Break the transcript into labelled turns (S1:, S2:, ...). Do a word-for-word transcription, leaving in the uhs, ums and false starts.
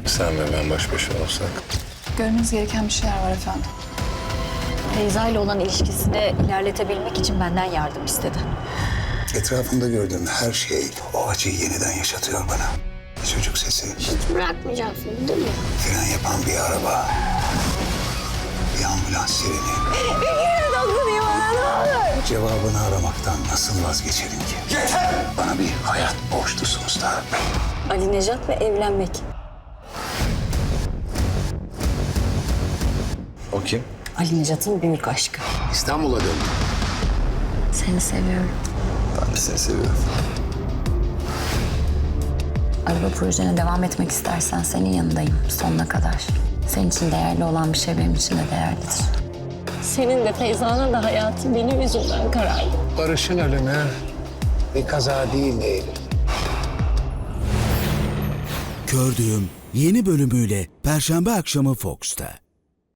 S1: Sen ve ben baş başa olsak.
S2: Görmeniz gereken bir şeyler var efendim.
S3: Feyza ile olan ilişkisini ilerletebilmek için benden yardım istedi.
S4: Etrafımda gördüğüm her şey o acıyı yeniden yaşatıyor bana. Çocuk sesi,
S5: Hiç bırakmayacaksın değil mi?
S4: fren yapan bir araba, bir ambulans sireni. Cevabını aramaktan nasıl vazgeçerim ki? Yeter! Bana bir hayat borçlusunuz da.
S3: Ali Nejat ve evlenmek.
S1: O kim?
S3: Ali Nejat'ın büyük aşkı.
S4: İstanbul'a döndüm.
S3: Seni seviyorum.
S1: Ben de seni seviyorum.
S3: Araba projene devam etmek istersen senin yanındayım sonuna kadar. Senin için değerli olan bir şey benim için de değerlidir.
S5: Senin de Feyza'nın da hayatı benim yüzümden karardı.
S4: Barış'ın ölümü bir kaza değil Eylül.
S6: Kördüğüm yeni bölümüyle Perşembe akşamı Fox'ta.